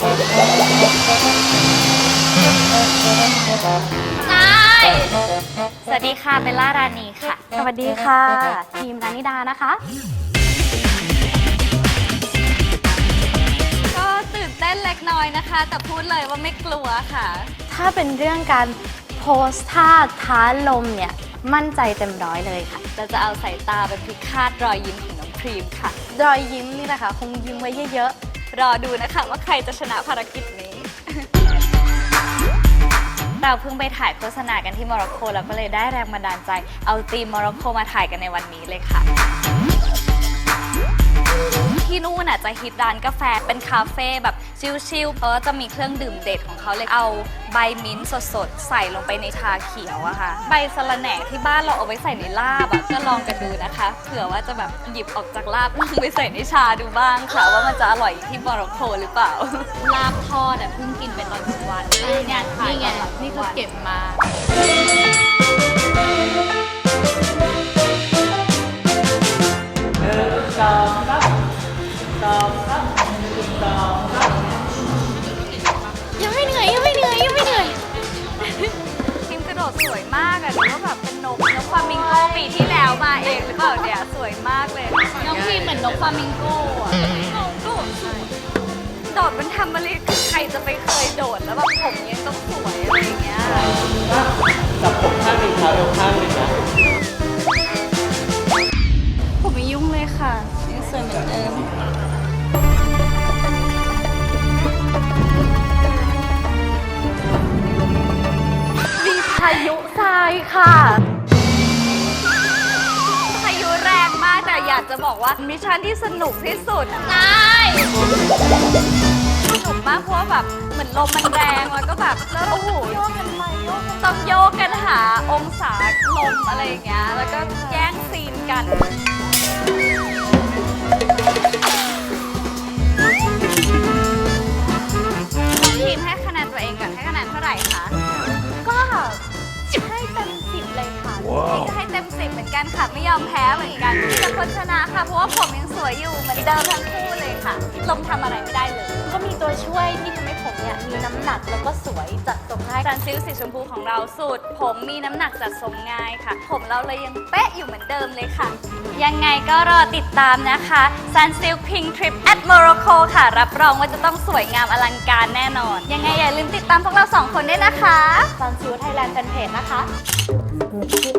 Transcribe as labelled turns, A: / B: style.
A: สวัสดีค่ะเบลล่ารานีค่ะ
B: สวัสดีค่ะทีมนานิดานะคะ
A: ก็ตื่นเต้นเล็กน้อยนะคะแต่พูดเลยว่าไม่กลัวค่ะ
B: ถ้าเป็นเรื่องการโพสท่าท้าลมเนี่ยมั่นใจเต็มร้อยเลยค่ะ
A: เราจะเอาสายตาไปพิฆาตรอยยิ้มของน้องครีมค่ะ
B: รอยยิ้มนี่แหละค่ะคงยิ้มไว้เยอะ
A: ๆรอดูนะคะว่าใครจะชนะภารกิจนี้ เราเพิ่งไปถ่ายโฆษณากันที่โมร็อกโกแล้วก็เลยได้แรงบันดาลใจเอาธีมโมร็อกโกมาถ่ายกันในวันนี้เลยค่ะที่นู่นจะฮิตร้านกาแฟเป็นคาเฟ่แบบชิลๆเพราะจะมีเครื่องดื่มเด็ดของเขาเลยเอาใบมิ้นท์สดๆใส่ลงไปในชาเขียวอะค่ะใบสะระแหน่ที่บ้านเราเอาไว้ใส่ในลาบก็ลองกันดูนะคะเผื่อว่าจะแบบหยิบออกจากลาบลองไปใส่ในชาดูบ้างค่ะว่ามันจะอร่อยที่โมร็อกโกหรือเปล่าลาบทอดเพิ่งกินไปตอนกลางวันนี่ไงนี่คือเก็บมายังไม่เหนื่อยทีมกระโดดสวยมากหรือว่าแบบเป็นนกฟลามิงโกปีที่แล้วมาเองหรือเปล่าเนี่ยสวยมากเลยน้องทีมเหมือนนกฟลามิงโกโดดมันทำอะไรคือใครจะไปเคยโดดแล้วแบบผมยังต้องสวยอะไรอย่างเงี้ย
C: จับผมข้างหนึ่งเท้าเอวข้างหนึ่งนะ
A: ผมไม่ยุ่งเลยค่ะยังสวยเหมือนเดิม
B: มีพายุทรายค่ะ
A: พายุแรงมากแต่อยากจะบอกว่ามิชชั่นที่สนุกที่สุดใช่สนุกมากเพราะว่าแบบเหมือนลมมันแรงแล้วก็แบบแล้วโอ้โหต้องโยกกันหาองศาลมอะไรอย่างเงี้ยแล้วก็แย่งซีนกันทีมให้คะแนนตัวเองก่อนให้คะแนนเท่าไหร่คะ
B: ก็ให้เต็ม10เลยค่ะ
A: จะให้เต็ม10เหมือนกันค่ะไม่ยอมแพ้เหมือนกันที่จะคนชนะค่ะเพราะว่าผมยังสวยอยู่เหมือนเดิมทั้งคู่เลยค่ะลมทำอะไรไม่ได้เลย
B: ก็มีตัวช่วยที่ทำให้ผมเนี่ยมีน้ำหนักแล้วก็สวยจัดทรงง่าย
A: ซันซิลสีชมพูของเราสูตรผมมีน้ำหนักจัดทรงง่ายค่ะผมเราเลยยังเป๊ะอยู่เหมือนเดิมเลยค่ะยังไงก็รอติดตามนะคะ Sunsilk Pink Trip at Morocco ค่ะรับรองว่าจะต้องสวยงามอลังการแน่นอนยังไงอย่าลืมติดตามพวกเรา2 คนด้วยนะคะ
B: Sunsilk Thailand Fanpage นะคะ